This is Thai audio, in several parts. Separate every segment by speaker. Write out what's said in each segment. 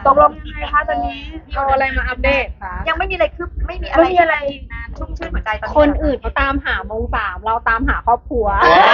Speaker 1: ตกลงยังไงคะตอนนี้
Speaker 2: เอาอะไรมาอัปเดตคะ
Speaker 1: ยังไม่มีอะไรคืบไม่มีอะไรชุ่มชื่นหัวใจตอนนี้
Speaker 2: คนอื่นเขาตามหามงสามเราตามหาครอบครัว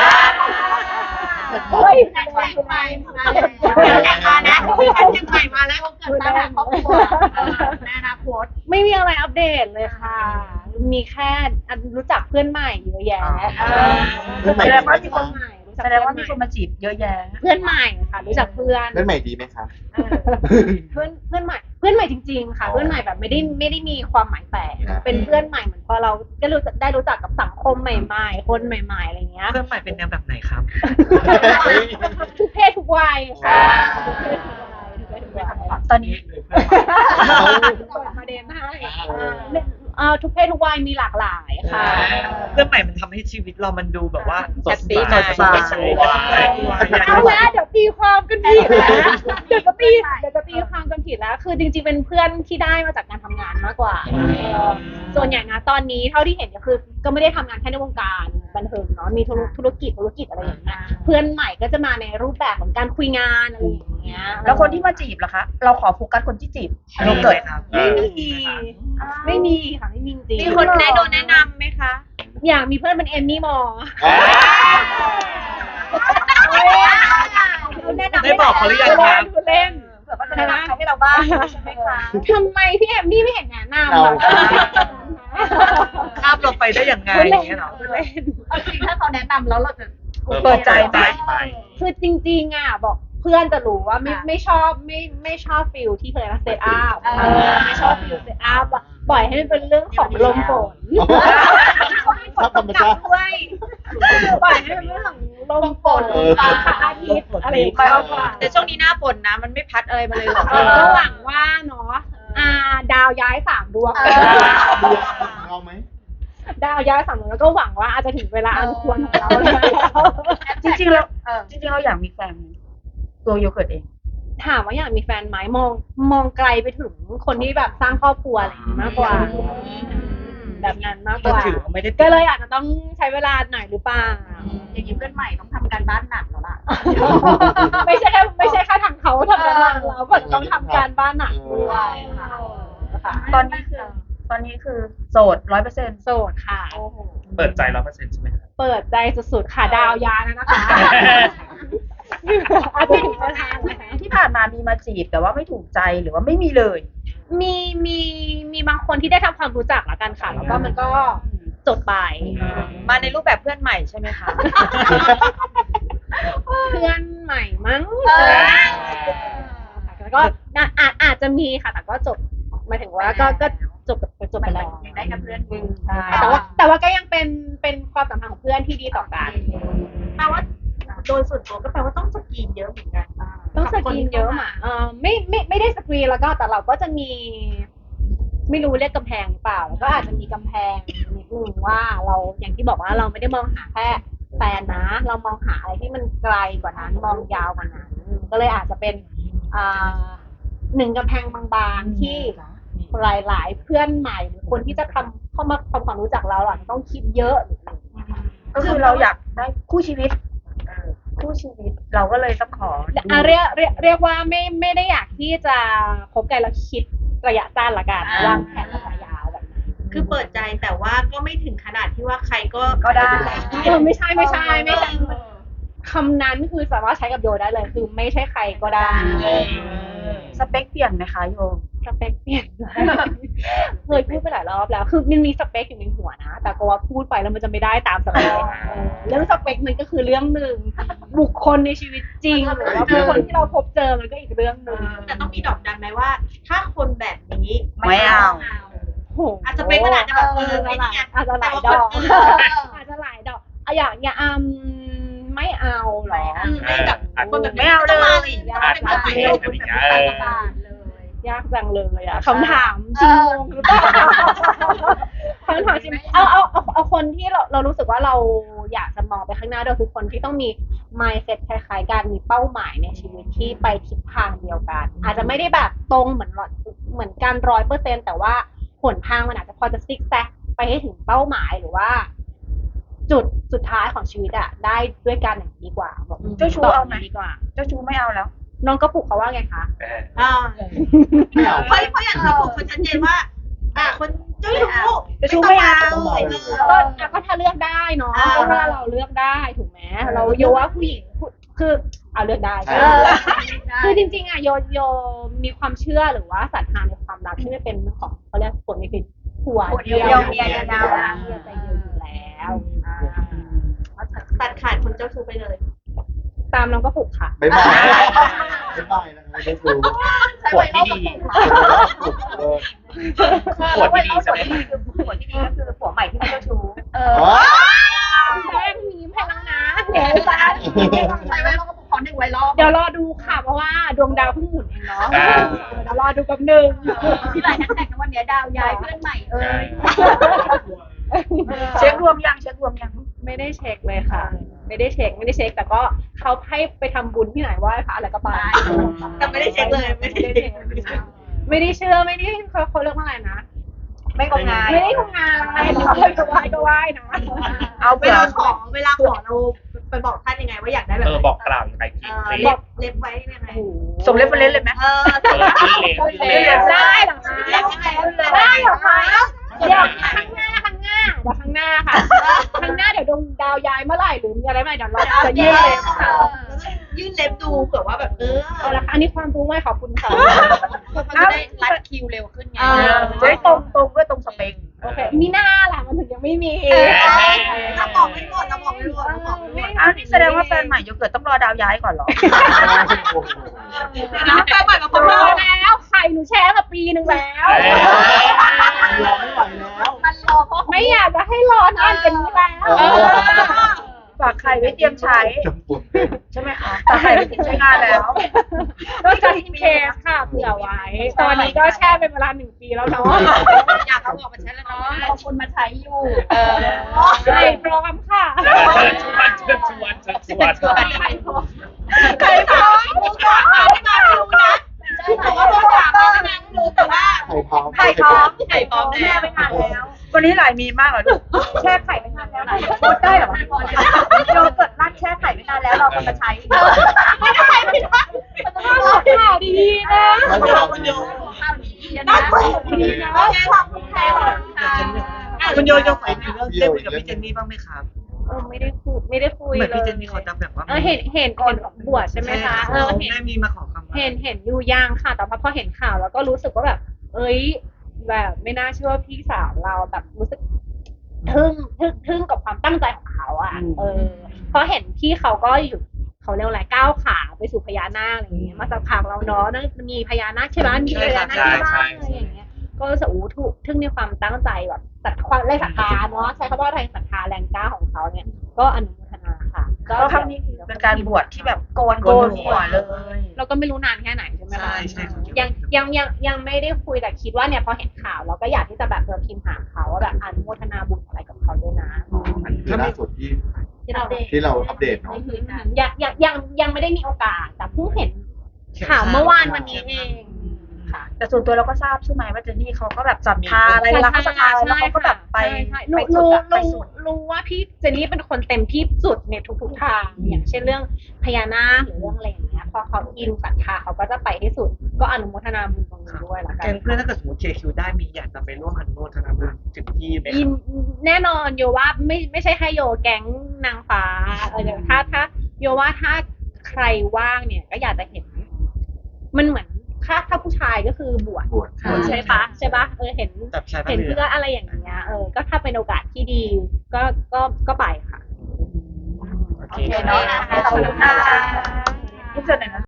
Speaker 1: เฮ้ยแต่งใหม่มานะแต่งใหม่มาแล้วเกิดตามหาครอบครัวในอนาคต
Speaker 2: ไม่มีอะไรอัปเดตเลยค่ะ มีแค่รู้จักเพื่อนใหม่เยอะแยะ
Speaker 3: เพื่อนใหม่
Speaker 1: แสดงว่ามี
Speaker 2: เพื่อนใหม่รู้จัก
Speaker 1: แสดงว่ามีคนมาจีบเยอะแยะ
Speaker 2: เพื่อนใหม่ค่ะ รู้จักเพื่อน
Speaker 3: เพื่อนใหม่ดีไหมคะ
Speaker 2: เพื่อนใหม่จริงๆค่ะ เพื่อนใหม่แบบไม่ได้มีความหมายแฝงเป็นเพื่อนใหม่เหมือนพอเราได้รู้จักกับสังคมใหม่ๆคนใหม่ๆอะไรเงี้ย
Speaker 4: เพื่อนใหม่เป็นแนวแบบไหนครับ
Speaker 2: ทุกเพศทุกวัยค่ะทุกเพศทุกวัย
Speaker 1: ตอนนี้
Speaker 2: เปิดประเด็นให้ทุกเพศทุกวัยมีหลากหลายค่ะ
Speaker 4: เพื่อนใหม่มันทำให้ชีวิตเรามันดูแบบว่า
Speaker 3: สดใส
Speaker 2: เอาแล้วเดี๋ยวตีความกันผิดแล้วเดี๋ยวจะตีความกันผิดแล้ว คือจริงๆเป็นเพื่อนที่ได้มาจากการทำงานมากกว่าส่วนใหญ่นะตอนนี้เท่าที่เห็นก็คือก็ไม่ได้ทำงานแค่ในวงการบันเทิงเนาะมีธุรกิจอะไรอย่างเงี้ยเพื่อนใหม่ก็จะมาในรูปแบบของการคุยงานอะไรอย่างเงี้ย
Speaker 1: แล้วคนที่มาจีบล่ะคะ เราขอโฟกัสคนที่จีบโรเกิร์ต
Speaker 4: ครับ
Speaker 2: ไม่มีค่ะไม่มีจริง
Speaker 1: มีคนโดนแนะนำไหมคะ
Speaker 2: อยากมีเพื่อนเป็นเอมมี่มอร์
Speaker 4: ได้บอกเขาหรือยังครับ
Speaker 2: เล่น
Speaker 1: เผื่อเขาจะแนะนำเขาให้เราบ้างใช่ไหมคะ
Speaker 2: ทำไมพี่เอมมี่ไม่เห็นแนะนำอะ
Speaker 4: ข้ามเราไปได้ยังไงอย่างเงี้ยเหรอ
Speaker 2: เล่น
Speaker 1: จริงถ้าเขาแนะนำแล้วเราจะ
Speaker 3: เปิดใจไหม
Speaker 2: คือจริงๆอ่ะบอกเพื่อนจะรู้ว่าไม่ชอบไม่ชอบฟิลที่เคยมาเซตอัพไม่ชอบฟิลเซตอัพอะปล่อยให้มันเป็นเรื่องของลมฝน
Speaker 3: ชอบธรรมชาติ
Speaker 2: ปล่อยให้มันเป็นเรื่องของลมฝนฟ้าอาทิตย์อะไรอย่างเงี้ย
Speaker 1: แต่ช่วงนี้หน้าฝนนะมันไม่พัดอะไรมาเลยหรอก
Speaker 2: ก็หวังว่าเนาะดาวย้าย3 ดวง
Speaker 3: เอาไหม
Speaker 2: ดาวย้าย3 ดวงแล้วก็หวังว่าอาจจะถึงเวลาอันควรของเราแล้ว
Speaker 1: จริงๆเราอยากมีแฟนไหมตัวโยเกิร์ตเอง
Speaker 2: ถามว่าอยากมีแฟนไหมมองไกลไปถึงคนที่แบบสร้างครอบครัวอะไรอย่างนี้มากกว่า แบบนั้นมากก
Speaker 4: ก็
Speaker 2: ว่า
Speaker 4: ถือว่าไม่ได้
Speaker 2: ก็เลยอาจจะต้องใช้เวลาหน่อยหรือเปล่า
Speaker 1: อย่างนี้เพื่อนใหม่ต้องทำการบ้านหนักแล้วล่ะ
Speaker 2: ไม่ใช่แค่ทางเขาทำการบ้านเราก็ต้องทำการบ้านหนักด้วยค่ะ
Speaker 1: ตอนนี้คือโสด100%
Speaker 2: โสดค่ะ
Speaker 4: เปิดใจ100%ใช่ไหมครับ
Speaker 2: เปิดใจสุดๆค่ะดาวยานะคะอาทิตย์ประธานนะคะ
Speaker 1: ที่ผ่านมามีมาจีบแต่ว่าไม่ถูกใจหรือว่าไม่มีเลย
Speaker 2: มีบางคนที่ได้ทำความรู้จักละกันค่ะแล้วก็มันก็จบไป
Speaker 1: มาในรูปแบบเพื่อนใหม่ใช่ไหมคะ
Speaker 2: เพื่อนใหม่มั้งแล้วก็อาจจะมีค่ะแต่ก็จบหมายถึงว่าก็จบไปแล้ว
Speaker 1: ยังได้แค่เพื่อน
Speaker 2: ใช่แต่ว่าก็ยังเป็นความสัมพันธ์ของเพื่อนที่ดีต่อกัน
Speaker 1: แปลว่าโดยส่วนตัวก็แปลว่าต้องสกรีนเยอะเหมือนกัน
Speaker 2: ต้องสกรีนเยอะอ่ะไม่ได้สกรีนแล้วก็แต่เราก็จะมี ไม่รู้เรียกกำแพงหรือเปล่าแล้วก็อาจจะมีกำแพงนิดนึงว่าเราอย่างที่บอกว่าเราไม่ได้มองหาแค่แฟนนะ เรามองหาอะไรที่มันไกลกว่านั้นมองยาวกว่านั้น ก็เลยอาจจะเป็นหนึ่งกำแพงบางๆที่หลายๆเพื่อนใหม่หรือคนที่จะเข้ามาทำความรู้จักเราอ่ะต้องคิดเยอะ
Speaker 1: ก็คือเราอยากได้คู่ชีวิตเราก็เลยต้องขอ
Speaker 2: เรียกว่าไม่ได้อยากที่จะคบกันแล้วคิดระยะสั้นละกันวางแผนระยะยาวแบบนั้น
Speaker 5: คือเปิดใจแต่ว่าก็ไม่ถึงขนาดที่ว่าใครก็
Speaker 1: ได้
Speaker 2: ไม่ใช่คำนั้นคือสามารถใช้กับโยได้เลยคือไม่ใช่ใครก็ได้
Speaker 1: สเปคเปลี่ยนไหมคะโย
Speaker 2: สเปคเปลี่ยนเคยพูดไปหลายรอบแล้วคือมันมีสเปคอยู่ในหัวนะแต่ก็ว่าพูดไปแล้วมันจะไม่ได้ตามสเปคเรื่องสเปคมันก็คือเรื่องหนึ่งบุคคลในชีวิตจริงหรือว่าบุคคลที่เราพบเจอมันก็อีกเรื่องหนึ่ง
Speaker 5: แต่ต้องมีดอกดันไหมว่า ถ้าคนแบบนี้
Speaker 1: ไม่เอา
Speaker 2: โห
Speaker 5: อาจจะเป็นขนาดจะแบบไอ้นี่ไง
Speaker 2: อาจจะหลายดอกอาจจะหลายดอกอย่างไม่เอาหรอ
Speaker 5: ไม่แบบคนแบบ
Speaker 1: ไม่เอาเลย
Speaker 2: ยากจังเลยอะคำถามจริงงหรือเปล่าคำถามจริงเอาคนที่เรารู้สึกว่าเราอยากจะมองไปข้างหน้าโดยคือคนที่ต้องมี mindset คล้ายๆกันมีเป้าหมายในชีวิตที่ไปทิศทางเดียวกัน อาจจะไม่ได้แบบตรงเหมือนกัน100%แต่ว่าหนทางมันอาจจะพอจะซิกแซกไปให้ถึงเป้าหมายหรือว่า จุดสุดท้ายของชีวิตอะได้ด้วยกันอย่างดีกว่าบอก
Speaker 1: เจ้าชู้เอาไหม
Speaker 2: ดีกว่า
Speaker 1: เจ้าชู้ไม่เอาแล้ว
Speaker 2: น้องกระปุกเขาว่าไงคะ
Speaker 5: อ่า
Speaker 3: ไม่เอา
Speaker 5: เพราะอย่างที่ผมเขาชัดเจนว่า คนเจ้าชู้
Speaker 2: จะชูไม่เอา
Speaker 5: ก็
Speaker 2: ก็ถ้าเลือกได้เนาะ
Speaker 5: อ่า
Speaker 2: ก็ถ้าเราเลือกได้ถูกไหมเราโยว่าผู้หญิงคือเอาเลือกได้ คือจริงๆอ่ะโยมีความเชื่อหรือว่าศรัทธาในความรักที่ไม่เป็นของเขาเรียกผลไม่เป็นผัวเดียว
Speaker 1: เมียเดียว
Speaker 2: เมียใจเดียวอยู่แล้ว
Speaker 5: ตัดขาดคนเจ้าชู้ไปเลย
Speaker 2: ตามน้องก็ผูกค่ะ
Speaker 3: บ๊ายบายบ๊ายบายนะครับไม่ได้ดู
Speaker 1: ใช้ไว้รอบกระปุก
Speaker 4: ปวดที่ดีใช่ไหม
Speaker 1: ผัวที่ดีก็คือผัวใหม่ที่ไม่เจ้าชู้
Speaker 2: แป้งมีมให้แล้วนะเดี๋ยวจ้า
Speaker 1: ใช้ไว้รอบกระปุกขอ1ไว้รอบ
Speaker 2: เดี๋ยวรอดูค่ะเพราะว่าดวงดาวเพิ่งหมุนเองเนาะเดี๋ยวรอดูกับหนึ่ง
Speaker 1: ที่หลายแฮชแท็กในวันนี้ดาวย้ายเพื่อนใหม่
Speaker 4: เช็ครวมยัง
Speaker 2: ไม่ได้เช็คเลยค่ะ ไม่ได้เช็คแต่ก็เขาให้ไปทำบุญที่ไหนไหว้พระอะไรก็ไป
Speaker 5: แต่ไม่ได้เช็คเลยไม่ได้เช็ค
Speaker 2: ไม่ได้เชื่อไม่ได้เขาเรียกว่าอะไรนะ
Speaker 1: ไม่งมงาย
Speaker 2: ไม่ได้ทำงานอะไรก็ไหว้นะ
Speaker 4: เอา
Speaker 5: เวลาขอเราไปบอกท่านยังไงว่าอยากได้แบบ
Speaker 3: บอกกล่าวยังไงคลิป
Speaker 5: เล็บไว้ยังไง
Speaker 4: สมเล็บเป็นเล่นเลยไหม
Speaker 2: ได้หรอคะ
Speaker 5: เล็บยังไง
Speaker 2: ได้หรอคะเดี๋ยวข้างหน้าค่ะข้างหน้าเดี๋ยวดวงดาวย้ายเมื่อไหร่หรือมีอะไรใหม่เดี๋ยวเราจะยื่นเลยค่ะ
Speaker 5: ยื่นเล็บดูเผื่อว่าแบบ
Speaker 2: เอาละค่ะอันนี้ความรู้ใหม่ขอบคุณค่ะ
Speaker 1: มันจะได้รัดคิวเร็วขึ้นไง
Speaker 4: จะได้ตรงด้วยตรงสเปค
Speaker 2: โอเคมีหน้าล่ะมันถึงยังไม่มี
Speaker 5: เราบอกไม่หมด
Speaker 4: อ้าวนี่แสดงว่าแฟนใหม่โยเกิร์ตต้องรอดาวย้ายก่อนเหรอ
Speaker 5: นะแฟนใหม่มา
Speaker 2: พอแล้วไข่หนูแช่มาปีนึงแล้ว
Speaker 3: รอไม่ไหวแล้ว
Speaker 1: มันรอเพราะ
Speaker 2: ไม่อยากจะให้รอนานกันนี้แล้ว
Speaker 4: ฝากไข่ไว้เตรียมใช้
Speaker 3: จะปวด
Speaker 4: ใช่ไหมคะฝากไข่ไว้เตรียมใช้งานแล้ว
Speaker 2: ก็จะอินเคสค่ะเผื่อไว้ ตอนนี้ก็แช่เป็นเวลา1 ปีแล้วเนาะ
Speaker 1: อยากเอาออกมาใช้แล้วเนาะเอาคนมาใช้อยู่
Speaker 2: ใช่พร้อมค่ะ
Speaker 5: ใครพร้อมรู้ก่อนไม่มาไม่รู้นะผมว่าโดนถามมาไม่รู้แต่ว่า
Speaker 3: ไข่พร้อม
Speaker 5: ไข่พร้อมแน่
Speaker 1: ไม่นานแล้ว
Speaker 4: วันนี้หลายมีมากเหรอลูก
Speaker 2: แช่ไข่ไปนานแล้ว
Speaker 1: โคตรได้หรอโยเกิร์ตร้านแช่ไข่ไม่นานแล้วเราคนมาใช้
Speaker 2: ไม่ได้ไม่ได้ข่าวดีๆนะ
Speaker 5: น่ากลัวดีนะแค่ความแพ้ค่ะ
Speaker 4: คุณโยใส่ในเรื่องได้คุยกับพี่เจนนี่บ้างไหมครับ
Speaker 2: ไม่ได้คุย
Speaker 4: เหมือนพี่เจนนี่เขาจะแบบว่า
Speaker 2: เห็นบวชใช่ไหมคะเห็น
Speaker 4: ได้มีมาขอคำ
Speaker 2: เห็นอยู่ย่างค่ะ แต่พอเห็นข่าวแล้วก็รู้สึกว่าแบบ เอ้ย แบบไม่น่าเชื่อว่าพี่สาวเราแบบรู้สึกทึ่งกับความตั้งใจของเขาอ่ะเพราะเห็นพี่เขาก็อยู่เขาเรียกอะไรก้าวขาไปสู่พญานาคอะไรอย่างเงี้ยมาสักพักแล้วเนาะมีพญานาคใช่ไหมมีพญานาคที่บ้านอะไรอย่างเงี้ยก็รู้สึกถูกทึ่งในความตั้งใจแบบความแรงศรัทธาเนาะใช้คำว่าแรงศรัทธาแรงกล้าของเขาเนี่ยก็อนุโมทนาค่ะ
Speaker 4: ก็ครั้งนี้เป็นการบวชที่แบบโกนหัวเลย
Speaker 2: เราก็ไม่รู้นานแค่ไหนใช่ไหมคะ
Speaker 4: ใช่
Speaker 2: ยังไม่ได้คุยแต่คิดว่าเนี่ยพอเห็นข่าวเราก็อยากที่จะแบบพิมพ์หาเขาว่าแบบอนุโมทนาบุญอะไรกับเขาด้วยนะ
Speaker 3: อันคือล่าสุดที่เราอัปเดตเนาะ
Speaker 2: ยังไม่ได้มีโอกาสแต่เพิ่งเห็นข่าวเมื่อวานวันนี้เองค่ะ
Speaker 4: แต่ส่วนตัวเราก็ทราบใช่ไหมว่าเจนนี่เขาก็แบบศรัทธาอะไรเวลาเขาศรัทธาแล้วเขาก็แบบไป
Speaker 2: รู้ว่าพี่เจนนี่เป็นคนเต็มที่สุดในทุกทางอย่างเช่นเรื่องพญานาคหรือเรื่องอะไรอย่างเงี้ยพอเขาอินศรัทธาเขาก็จะไปที่สุดก็อนุโมทนาบุญตรงนี้ด้วยละกั
Speaker 4: แก
Speaker 2: น
Speaker 4: งเพื่อนถ้าเกิดสมมติ KQ ได้มีอยากจะไปร่วมอนุโมทนาบุญถึงที่ไหม
Speaker 2: แน่นอนโยว่าไม่ใช่แค่โยแก๊งนางฟ้าถ้าโยว่าถ้าใครว่างเนี่ยก็อยากจะเห็นมันเหมือนถ้าผู้ชายก็คือบวชใช่ปะเห็นเพื่ออะไรอย่างเงี้ยก็ถ้าเป็นโอกาสที่ดีก็ไปค่ะ
Speaker 3: โอเค
Speaker 1: เนาะขอบคุณค่ะ
Speaker 4: ทุกส่วนไหนนะ